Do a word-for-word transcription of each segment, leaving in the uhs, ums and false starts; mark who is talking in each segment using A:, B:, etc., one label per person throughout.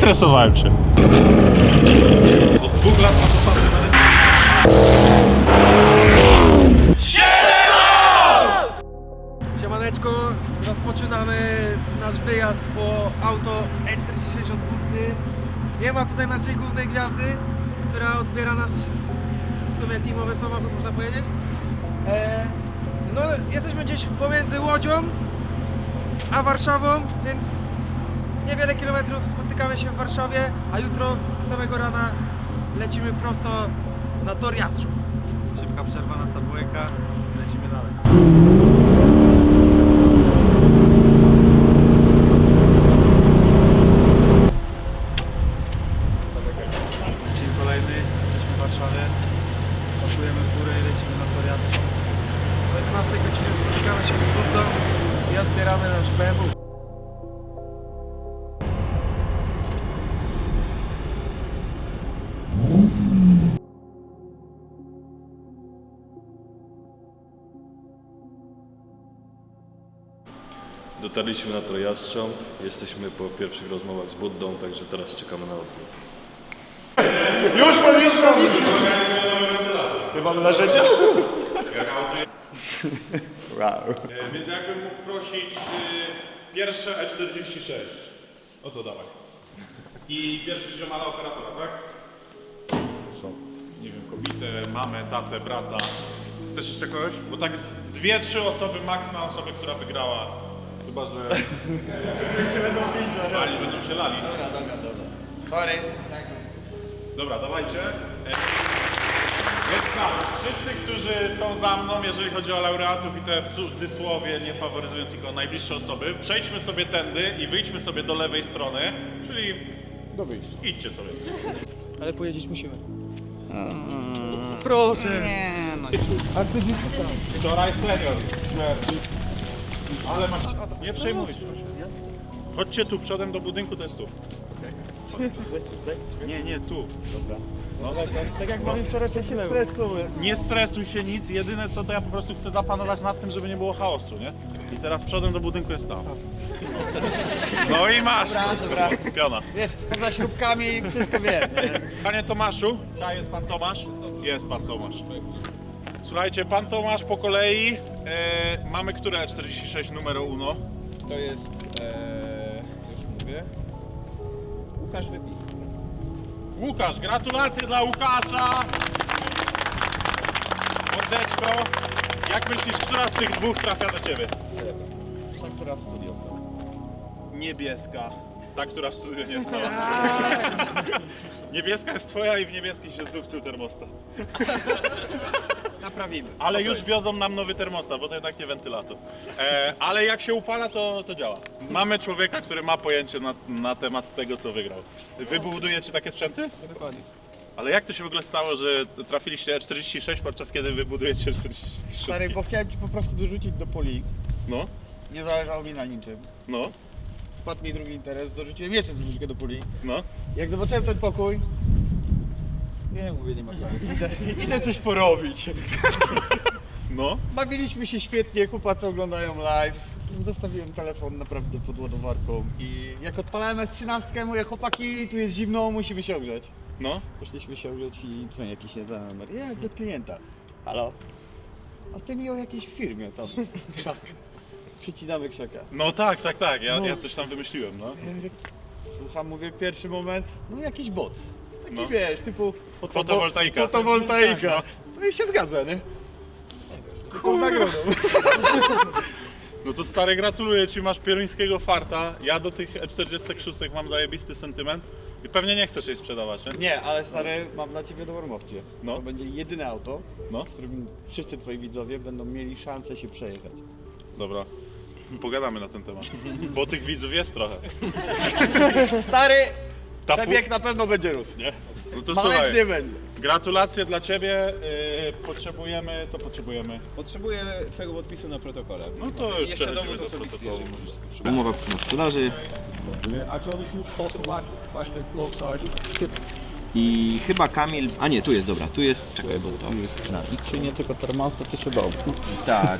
A: Zestresowałem się. Od dwóch lat na to samo.
B: Siemaneczko, rozpoczynamy nasz wyjazd po auto E czterdzieści sześćdziesiąt Butny. Nie ma tutaj naszej głównej gwiazdy, która odbiera nasz w sumie teamowy samochód, można powiedzieć. E, no, jesteśmy gdzieś pomiędzy Łodzią a Warszawą, więc niewiele kilometrów, spotykamy się w Warszawie, a jutro z samego rana lecimy prosto na tor Jastrzęb.
C: Szybka przerwa na Subwayka i lecimy dalej. Dzień kolejny, jesteśmy w Warszawie. Pakujemy w górę i lecimy na tor Jastrzęb.
B: O jedenastej godzinie spotykamy się z Buddą i odbieramy nasz B M W.
D: Dotarliśmy na tor Jastrzęb, jesteśmy po pierwszych rozmowach z Buddą, także teraz czekamy na odbiór.
A: Już powinniśmy! Chyba mamy narzędzia?
D: Wow.
A: Więc jakbym mógł prosić y, pierwsze E czterdzieści sześć. O to dawaj. I bierzesz ziomala operatora, tak? Są, nie wiem, kobietę, mamę, tatę, brata. Chcesz jeszcze kogoś? Bo tak z dwie, trzy osoby max na osobę, która wygrała. Chyba, że... się będą pić za lali, będą się lali.
C: Dobra, dobra, dobra. Sorry. Tak.
A: Dobra, dawajcie. Więc tak, wszyscy, którzy są za mną, jeżeli chodzi o laureatów i te w cudzysłowie, nie faworyzując tylko najbliższe osoby, przejdźmy sobie tędy i wyjdźmy sobie do lewej strony, czyli do wyjścia. Idźcie sobie.
B: Ale pojeździć musimy.
C: Proszę. Nie, no.
A: Wczoraj senior. Ale masz... Nie przejmuj się. Chodźcie tu, przodem do budynku, to jest tu. Nie, nie, tu. Dobra. No,
B: Tak jak mamy wczoraj chwilę.
A: nie stresuj się nic, jedyne co to ja po prostu chcę zapanować nad tym, żeby nie było chaosu, nie? I teraz przodem do budynku jest tam. No i masz!
C: Dobra, dobra.
A: Piona.
C: Wiesz, za śrubkami wszystko wiem.
A: Panie Tomaszu, a jest pan Tomasz? Jest pan Tomasz. Słuchajcie, pan Tomasz po kolei. E, mamy które E czterdzieści sześć numero uno?
E: To jest, e, już mówię, Łukasz Wypij.
A: Łukasz, gratulacje dla Łukasza! Mordeczko, jak myślisz, która z tych dwóch trafia do ciebie?
E: Ta, która w studio stała.
A: Niebieska. Ta, która w studiu nie stała. Niebieska jest twoja i w niebieskiej się zdupcył termostat.
C: Naprawimy.
A: Ale już wiozą nam nowy termostat, bo to jednak nie wentylator. E, ale jak się upala, to, to działa. Mamy człowieka, który ma pojęcie na, na temat tego, co wygrał. Wy budujecie takie sprzęty?
E: Dokładnie.
A: Ale jak to się w ogóle stało, że trafiliście E czterdzieści sześć, podczas kiedy wy budujecie czterdzieści trzy?
C: Stary, bo chciałem ci po prostu dorzucić do poli.
A: No,
C: Nie zależało mi na niczym.
A: no,
C: Wpadł mi drugi interes, dorzuciłem jeszcze troszeczkę do poli.
A: no.
C: Jak zobaczyłem ten pokój, nie mówię, nie ma sensu. Idę, idę coś porobić.
A: No,
C: Bawiliśmy się świetnie, chłopacy oglądają live. Zostawiłem telefon naprawdę pod ładowarką i jak odpalałem S trzynaście, mówię, chłopaki, tu jest zimno, musimy się ogrzeć.
A: no.
C: Poszliśmy się ogrzeć i dzwoni jakiś nieznany numer. Ja do klienta. Halo? A ty mi o jakiejś firmie tam. Krzak. Przycinamy krzaka.
A: No tak, tak, tak, ja,
C: No.
A: ja coś tam wymyśliłem, no.
C: Słucham, mówię, pierwszy moment, no jakiś bot. Taki
A: No.
C: wiesz, typu fotowo-
A: Fotowoltaika.
C: Fotowoltaika. No i się zgadza, nie? Tylko nagrodą.
A: No to stary, gratuluję ci, masz pieruńskiego farta. Ja do tych E czterdzieści sześć mam zajebisty sentyment i pewnie nie chcesz jej sprzedawać, nie?
C: Nie, ale stary, mam dla ciebie dobrą opcję.
A: No.
C: To będzie jedyne auto,
A: No,
C: w którym wszyscy twoi widzowie będą mieli szansę się przejechać.
A: dobra. Pogadamy na ten temat. Bo tych widzów jest trochę.
C: Stary,
A: Ta fu-
C: przebieg na pewno będzie rósł, nie?
A: No to
C: Malec
A: słuchaj,
C: nie będzie.
A: gratulacje dla ciebie. Yy, potrzebujemy, co potrzebujemy?
E: Potrzebuję twojego podpisu na protokole.
A: No to już
E: jeszcze
A: przechodzimy
E: dowód
A: do
E: osobisty,
A: protokołu.
E: jeżeli możesz sobie przygotować.
F: Umowa na sprzedaży i chyba Kamil, a nie, tu jest, dobra, tu jest, czekaj, bo to jest na X.
C: Czy nie tylko termostat, jeszcze dom.
F: Tak.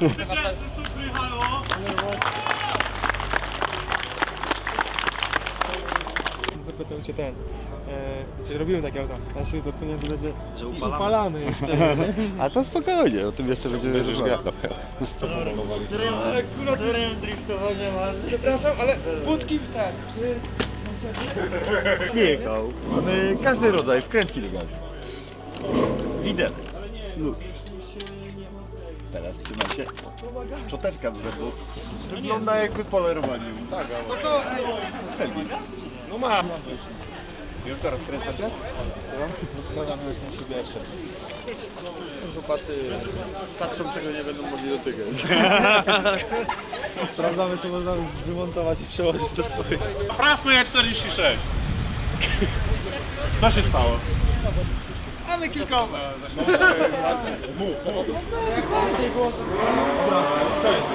E: Zapytał
B: czy ten, e, czy robimy takie auta, ja się zapomniałem dodać, że,
F: Że
B: upalamy,
F: upalamy.
B: upalamy jeszcze.
C: A to spokojnie, o tym jeszcze będziemy rozmawiać.
B: Akurat
C: driftowania masz.
B: przepraszam, ale budki ten, czy...
C: Jechał. Mamy każdy rodzaj wkrętki do gazu. Widelec. Luz. Teraz trzyma się szczoteczka do zębów. Wygląda jakby polerowali. Tak,
B: No to,
C: felgi.
B: no ma.
C: Już to rozkręcacie?
E: Składamy już na siebie jeszcze.
C: Chłopacy patrzą, czego nie będą mogli dotykać. Sprawdzamy, co można wymontować i przełożyć do swoich.
A: Naprawmy E czterdzieści sześć. Co się stało?
C: Mamy kilkowe.
A: Mów, co? Co jest?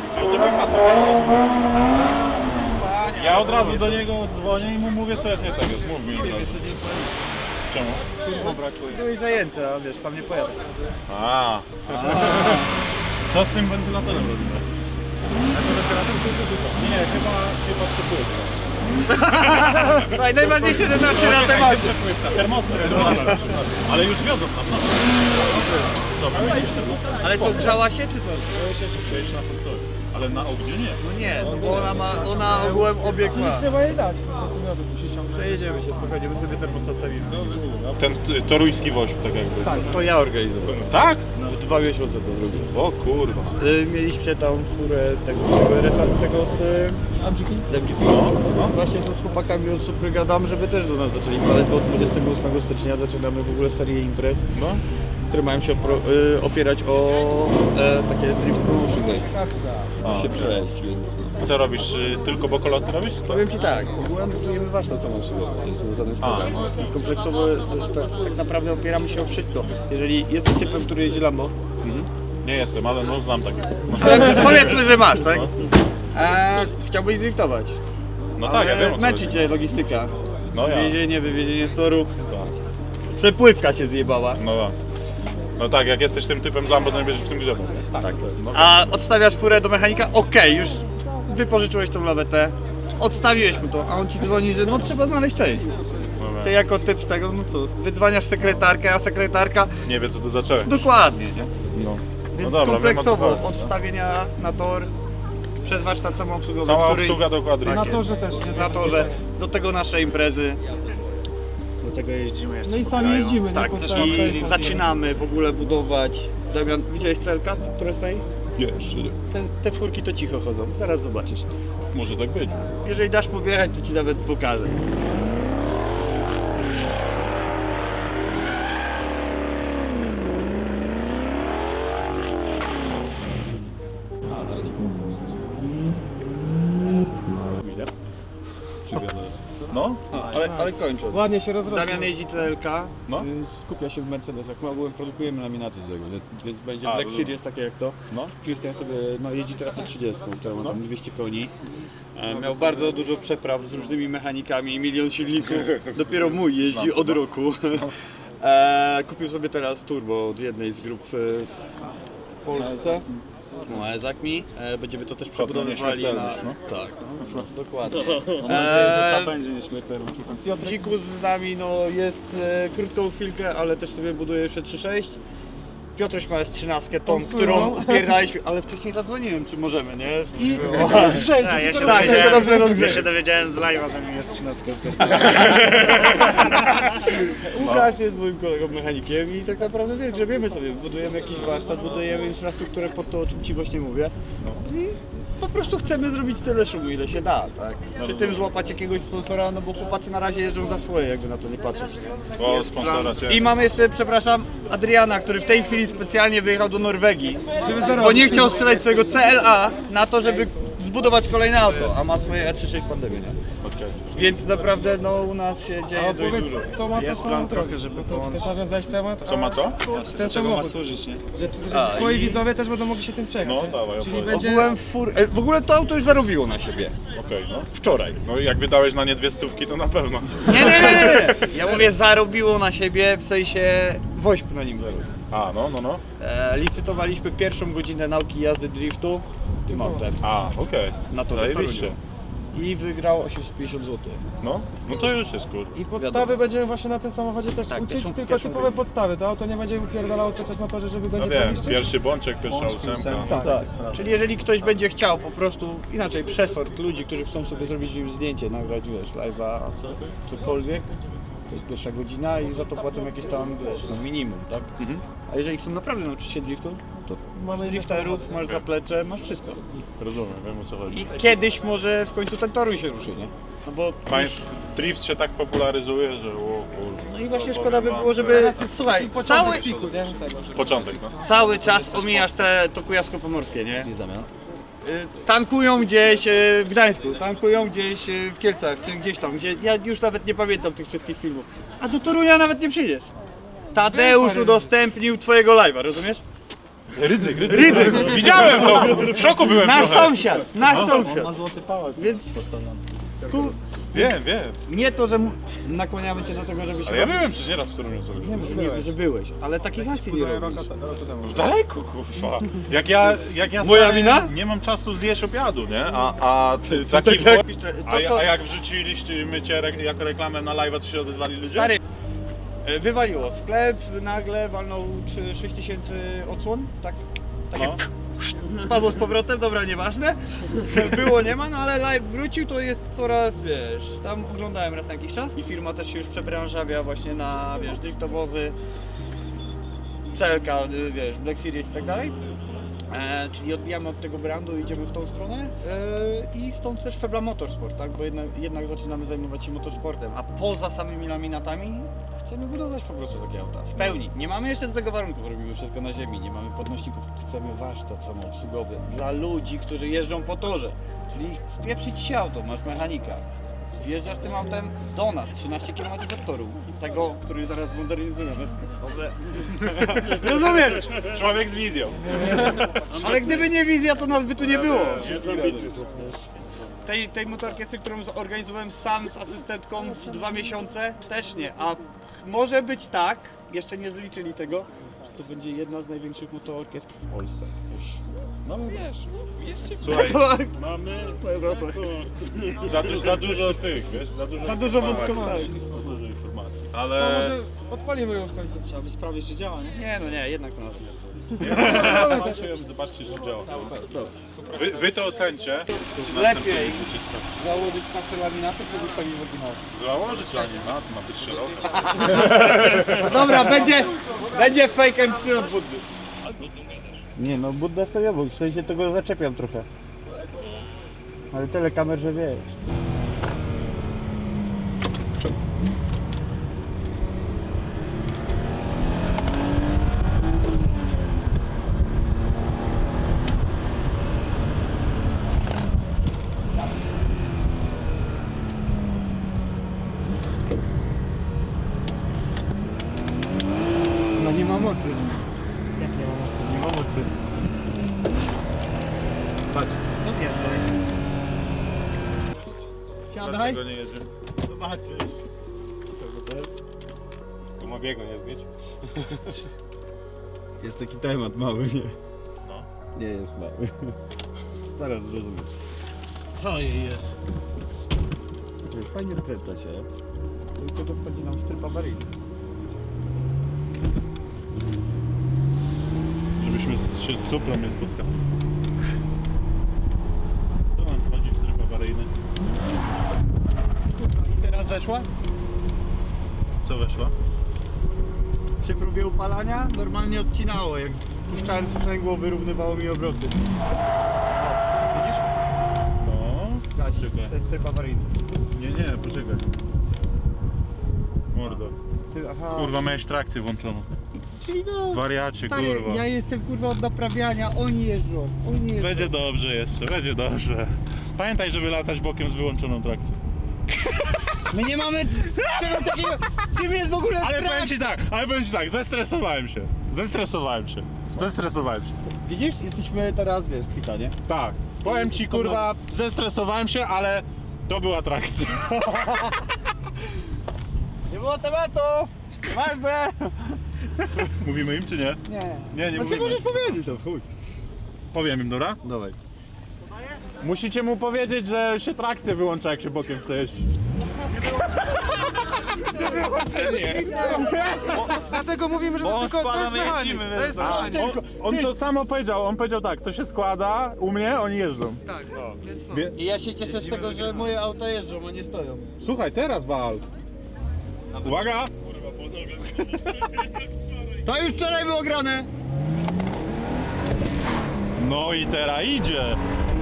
A: Ja od razu do niego dzwonię i mu mówię, co jest nie tak. Już mów mi od razu. Czemu?
C: Turbo brakuje. Byłeś zajęty, a wiesz, sam nie pojadę.
A: A. Co z tym wentylatorem robimy? Nie, chyba, chyba przepływa.
C: Najważniejsze, że nasze na temacie.
A: Termostat, termostat. Ale już wiozą tam, no. Co, wymienić termostat?
C: Ale co, grzała się czy co?
A: To się przejść na postoju. Ale na ogniu nie.
C: No nie, no bo ona ma, ona ogółem obiekt ma.
B: Trzeba je dać, po prostu miał musi ściągnąć.
C: Przejedziemy się spokojnie, my sobie termostat stawimy.
A: Ten t- toruński woźb, tak jakby.
C: Tak, to ja organizowałem.
A: Tak?
C: W dwa miesiące to zrobiłem.
A: O kurwa.
C: Y, Mieliśmy tam furę tego resartego z z M G P.
A: no.
C: Właśnie tu z chłopakami od Supry gadam, żeby też do nas zaczęli wpadać, bo od dwudziestego ósmego stycznia zaczynamy w ogóle serię imprez,
A: No.
C: które mają się opro, y, opierać o e, takie drift promotion days.
A: A.
C: Się przejść, więc...
A: Co robisz? y, Tylko bokoloty robisz? Co?
C: Powiem Ci tak, ogółem budujemy warsztat samoobsługowy, to jest związane z
A: A.
C: tym. I kompleksowo tak, tak naprawdę opieramy się o wszystko. Jeżeli jesteś typem, który jeździ Lambo,
A: Nie jestem, ale no znam takie.
C: ale powiedzmy, że masz, tak?
A: No.
C: A chciałbyś driftować.
A: No tak, ja wiem o co
C: Męczy
A: chodzi.
C: Cię logistyka.
A: No ja.
C: Wywiezienie, wywiezienie z toru.
A: Tak.
C: Przepływka się zjebała.
A: No tak. No tak, jak jesteś tym typem z Lambo, to nie będziesz w tym grzebał. nie?
C: Tak.
A: No,
C: A odstawiasz furę do mechanika, okej, już wypożyczyłeś tą lawetę, odstawiłeś mu to, a on ci dzwoni, że no trzeba znaleźć część.
A: no,
C: Ty jako typ z tego, no co, wydzwaniasz sekretarkę, a sekretarka
A: nie wie co to zacząłeś.
C: dokładnie, nie?
A: No.
C: Więc
A: No dobra,
C: kompleksowo
A: wiem, o co chodzi.
C: od stawienia na tor przez warsztat samoobsługowy,
A: Cała
C: który...
A: obsługa do quadry.
C: Tak
B: Na
C: jest.
B: torze też, nie?
C: Na torze, do tego nasze imprezy. Do tego jeździmy jeszcze
B: No i
C: po
B: sami
C: kraju.
B: jeździmy, nie?
C: Tak,
B: Po
C: też
B: całym
C: i
B: kraju.
C: zaczynamy w ogóle budować. Damian, widziałeś C L K, które stoi?
A: Jeszcze nie.
C: Te, te furki to cicho chodzą, zaraz zobaczysz.
A: Może tak być.
C: Jeżeli dasz mu wjechać, to ci nawet pokażę.
A: No?
C: Ale, ale kończąc.
B: Ładnie się rozrosło.
C: Damian jeździ C L K,
A: No.
C: y, skupia się w Mercedesach. My ogółem produkujemy laminaty do tego, więc- więc będzie
A: A,
C: Black
A: rozumiem.
C: Series takie jak to.
A: No.
C: Christian sobie no, jeździ teraz na trzydzieści, która ma
A: No.
C: tam dwieście koni. E, miał bardzo dużo przepraw z różnymi mechanikami, milion silników. Dopiero mój jeździ od roku. E, kupił sobie teraz turbo od jednej z grup e, w Polsce. No, Ezak mi. E, będziemy to też przebudowywali na...
A: nieśmiertelność, no.
C: Tak, no, dokładnie.
E: Mam nadzieję, że ta
C: E,
E: będzie nieśmiertelna.
C: Dzikus z nami no, jest e, krótką chwilkę, ale też sobie buduje jeszcze trzy sześć. Piotruś ma S trzynaście, tą,
B: Tą
C: którą
B: słynną.
C: pierdaliśmy, ale wcześniej zadzwoniłem, czy możemy, nie?
B: I
C: Było-
B: zgrzejcie,
E: Tak, ja się
B: tylko
C: Tak,
B: rozgrzejcie.
C: tylko dobrze
E: Ja
C: rozgrzeć.
E: się dowiedziałem z live'a, że mi jest trzynastka.
C: Łukasz jest moim kolegą mechanikiem i tak naprawdę wie, grzebiemy sobie, budujemy jakiś warsztat, budujemy infrastrukturę pod to, o czym Ci właśnie mówię. I po prostu chcemy zrobić tyle szumu, ile się da, tak? Przy tym złapać jakiegoś sponsora, no bo chłopacy na razie jeżdżą za swoje, jakby na to nie patrzeć.
A: O, sponsora cię.
C: I mamy jeszcze, przepraszam, Adriana, który w tej chwili specjalnie wyjechał do Norwegii,
B: Żeby
C: bo
B: zarobić.
C: nie chciał sprzedać swojego C L A na to, żeby zbudować kolejne auto, a ma swoje E trzydzieści sześć pandemię, nie?
A: Okej.
C: Więc naprawdę no u nas się
B: A
C: dzieje dość
B: opowiedz,
C: dużo.
B: co ma to
E: Jest
B: swoją
E: plan
B: drogę,
E: trochę, żeby
B: bo to
E: połączyć.
B: też nawiązałeś temat,
A: Co ma co?
B: ten
E: Czego ma
B: samochód,
E: służyć, nie?
B: że, że
C: A,
B: twoi
C: i-
B: widzowie też będą mogli się tym przejechać,
A: No,
B: nie?
A: dawaj,
B: Czyli
A: opowiedz.
B: będzie...
C: Ogółem fur... e, w ogóle to auto już zarobiło na siebie.
A: Okej, no.
C: Wczoraj.
A: No i jak wydałeś na nie dwie stówki, to na pewno.
C: Nie, nie, nie, nie! Ja mówię zarobiło na siebie, w sensie woźb na nim zarobił.
A: A, no, no, no.
C: E, licytowaliśmy pierwszą godzinę nauki jazdy driftu tym autem.
A: A, okej.
C: Na torze w
A: Zajebiście.
C: Toruniu. i wygrał osiemset pięćdziesiąt złotych.
A: No, no to już jest cool.
B: I podstawy będziemy właśnie na tym samochodzie też
C: Tak,
B: uczyć,
C: pierwszą-
B: tylko
C: pierwszą
B: typowe
C: będzie.
B: podstawy. To auto nie będzie upierdalało cały czas na torze, żeby go
A: No
B: nie
A: wiem,
B: poniszczyć.
A: pierwszy bączek, pierwsza
E: Bączki,
A: ósemka.
E: ósemka.
B: Tak.
C: Czyli jeżeli ktoś będzie chciał po prostu, inaczej przesort ludzi, którzy chcą sobie zrobić im zdjęcie, nagrać, wiesz, live'a, cokolwiek, to jest pierwsza godzina i za to płacą jakieś tam, wiesz, no minimum, tak?
A: Mhm.
C: A jeżeli chcą naprawdę nauczyć się driftu, to
B: Mamy
C: masz drifterów, masz zaplecze, masz wszystko.
A: Rozumiem, wiem o co chodzi.
C: I kiedyś może w końcu ten toruj się ruszy, nie? No bo
A: Państw, drift się tak popularyzuje, że o kurwa.
C: no i właśnie
A: to
C: szkoda by
A: powiem
C: było,
A: wam,
C: żeby, słuchaj, cały,
B: Cały piku, nie? Tego.
A: że- Początek, no.
C: cały czas omijasz te to kujawsko-pomorskie, nie? Y, Tankują gdzieś y, w Gdańsku, tankują gdzieś y, w Kielcach, czy gdzieś tam, gdzie ja już nawet nie pamiętam tych wszystkich filmów. A do Torunia nawet nie przyjdziesz. Tadeusz udostępnił twojego live'a, rozumiesz?
A: Rydzyk, rydzyk. Rydzyk. Widziałem to, w szoku byłem
C: Nasz
A: trochę.
C: sąsiad, nasz
E: Ma
C: sąsiad.
E: złoty pałac.
C: Więc sku...
A: Wiem, wiem.
C: nie to, że m- nakłaniamy cię do tego, żebyś...
A: Ale ja byłem przecież nieraz w Toruniu sobie.
C: Nie, że, nie, że byłeś, ale takich akcji nie robisz.
A: Daleko, kurwa. Jak ja, jak ja
C: Moja
A: stary,
C: wina?
A: nie mam czasu zjeść obiadu, nie? A, a ty,
C: To
A: taki...
C: tak jak-
A: a,
C: to co-
A: a jak wrzuciliście mycie re, jako reklamę na live'a, to się odezwali ludzie?
C: Stary, e, wywaliło sklep, nagle walnął sześć tysięcy odsłon, tak? Takie
A: No.
C: spadło z powrotem, dobra, nieważne. Było, nie ma, no ale live wrócił, to jest coraz, wiesz, tam oglądałem raz na jakiś czas i firma też się już przebranżawia właśnie na, wiesz, driftowozy, C L K, y, wiesz, Black Series i tak dalej. E, czyli odbijamy od tego brandu, idziemy w tą stronę e, i stąd też Febla Motorsport, tak? Bo jednak, jednak zaczynamy zajmować się motorsportem, a poza samymi laminatami chcemy budować po prostu takie auta. W pełni. Nie mamy jeszcze do tego warunków, robimy wszystko na ziemi, nie mamy podnośników, chcemy warsztat samoobsługowy dla ludzi, którzy jeżdżą po torze. Czyli spieprzyć się auto, masz mechanika. Wjeżdżasz tym autem do nas, trzynaście kilometrów od toru, z tego, który zaraz zmodernizujemy. Dobre. Rozumiesz?
A: Człowiek z wizją.
C: Ale gdyby nie wizja, to nas by tu nie było. Tej, tej motorkiestry, którą zorganizowałem sam z asystentką w dwa miesiące, też nie. A może być tak, jeszcze nie zliczyli tego, że to będzie jedna z największych motorkiestr w Polsce. No wiesz,
A: Słuchaj,
C: to,
E: Mamy
C: to jest proste.
A: za, du, za dużo tych, wiesz, za dużo
C: Za dużo
A: informacji.
C: wątkowania.
A: Za dużo informacji.
B: To
A: Ale...
B: może odpalimy ją w końcu.
E: trzeba by sprawdzić, czy działa, nie?
C: Nie no nie, jednak to na to.
A: Zobaczcie, zobaczcie, czy działa. Wy, wy to ocencie.
C: Lepiej założyć nasze laminaty, czy zostawić w oryginale?
A: Założyć laminat, ma być szeroki.
C: No dobra, będzie, będzie fake M trzy od Buddy. Nie no, Budda sobie obok, w sensie tego zaczepiam trochę. Ale tyle kamer, że wiesz. No nie ma mocy.
B: Jak nie ma mocy?
C: Nie ma mocy. Patrz.
B: To zjeżdżaj.
C: Siadaj.
A: Dlaczego nie jedzie?
C: Zobaczysz.
A: Tu ma biegu nie zgieć?
C: Jest taki temat mały, nie?
A: No.
C: Nie jest mały. Zaraz zrozumiesz.
E: Co jej jest?
C: Fajnie dokręca się. Tylko to wchodzi nam w tryb awaryjny.
A: Żebyśmy z- się z Suprą nie spotkali. Co nam wchodzi w tryb awaryjny?
C: I teraz weszła?
A: Co weszła?
C: Przy próbie upalania normalnie odcinało. Jak spuszczałem sprzęgło, wyrównywało mi obroty. O, widzisz?
A: No.
C: Gaś,
A: Czekaj.
C: to jest tryb awaryjny.
A: Nie, nie, poczekaj. Mordo.
C: Ty, aha.
A: Kurwa, miałeś trakcję włączoną.
C: Czyli no,
A: Wariacie,
C: stary,
A: kurwa.
C: ja jestem kurwa od naprawiania, oni jeżdżą, oni jeżdżą.
A: Będzie dobrze jeszcze, będzie dobrze. Pamiętaj, żeby latać bokiem z wyłączoną trakcją.
C: My nie mamy czegoś takiego, czym jest w ogóle
A: Ale
C: trak-
A: powiem ci tak, ale powiem ci tak, zestresowałem się. Zestresowałem się. Zestresowałem się.
C: Widzisz, jesteśmy teraz, wiesz, kwita, nie?
A: Tak. Powiem ci, kurwa, zestresowałem się, ale to była trakcja.
C: Nie było tematu! Ważne!
A: Mówimy im czy nie?
C: Nie.
A: Nie, nie
C: Znaczy
A: mówimy.
C: możesz powiedzieć to, chuj.
A: Powiem im, dobra?
C: Dawaj.
A: Musicie mu powiedzieć, że się trakcja wyłącza, jak się bokiem chce jeździć.
B: Dlatego mówimy, że to jest tylko to jest mechanik. To jest mechanik.
A: On, on to samo powiedział, on powiedział tak, to się składa, u mnie oni jeżdżą.
B: Tak, więc no.
A: Wie-
C: I ja się cieszę z tego, że moje auta jeżdżą, a nie stoją.
A: Słuchaj, teraz wal. Uwaga!
C: To już wczoraj było grane!
A: No i teraz idzie.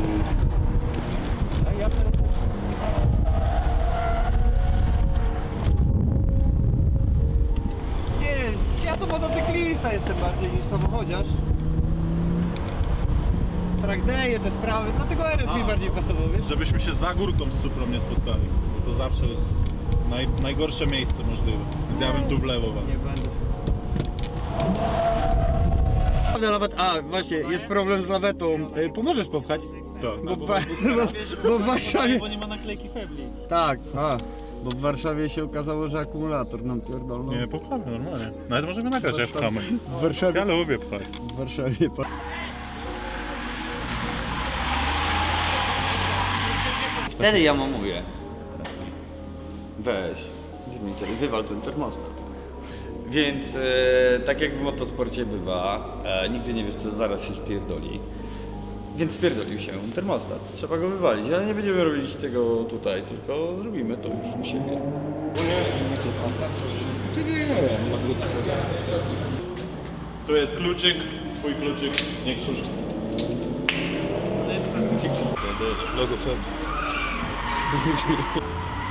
C: Nie, ja to motocyklista jestem bardziej niż samochodziarz. Trakdeje te sprawy, dlatego R S mi bardziej pasował, wiesz?
A: Żebyśmy się za górką z Suprą nie spotkali, bo to zawsze jest naj, najgorsze miejsce możliwe. Więc ja bym tu w lewo walił.
C: Nie będę. Prawda, lawet, a właśnie, jest problem z lawetą. Y, Pomożesz popchać?
A: Tak.
C: Bo, w Wa- bo, bo w Warszawie...
E: Bo nie ma naklejki Febli.
C: Tak, a, bo w Warszawie się okazało, że akumulator nam pierdolną.
A: Nie, popchamy normalnie. Nawet możemy nagrać, jak pchamy.
C: W Warszawie...
A: Ja lubię pchać.
C: W Warszawie... pa- Wtedy ja mu mówię, weź, wywal ten termostat. Więc e, tak jak w motosporcie bywa, e, nigdy nie wiesz co zaraz się spierdoli. Więc spierdolił się termostat. Trzeba go wywalić, ale nie będziemy robić tego tutaj, tylko zrobimy to już u siebie.
A: Tu jest kluczyk, twój kluczyk, niech służy.
D: Logo Feb.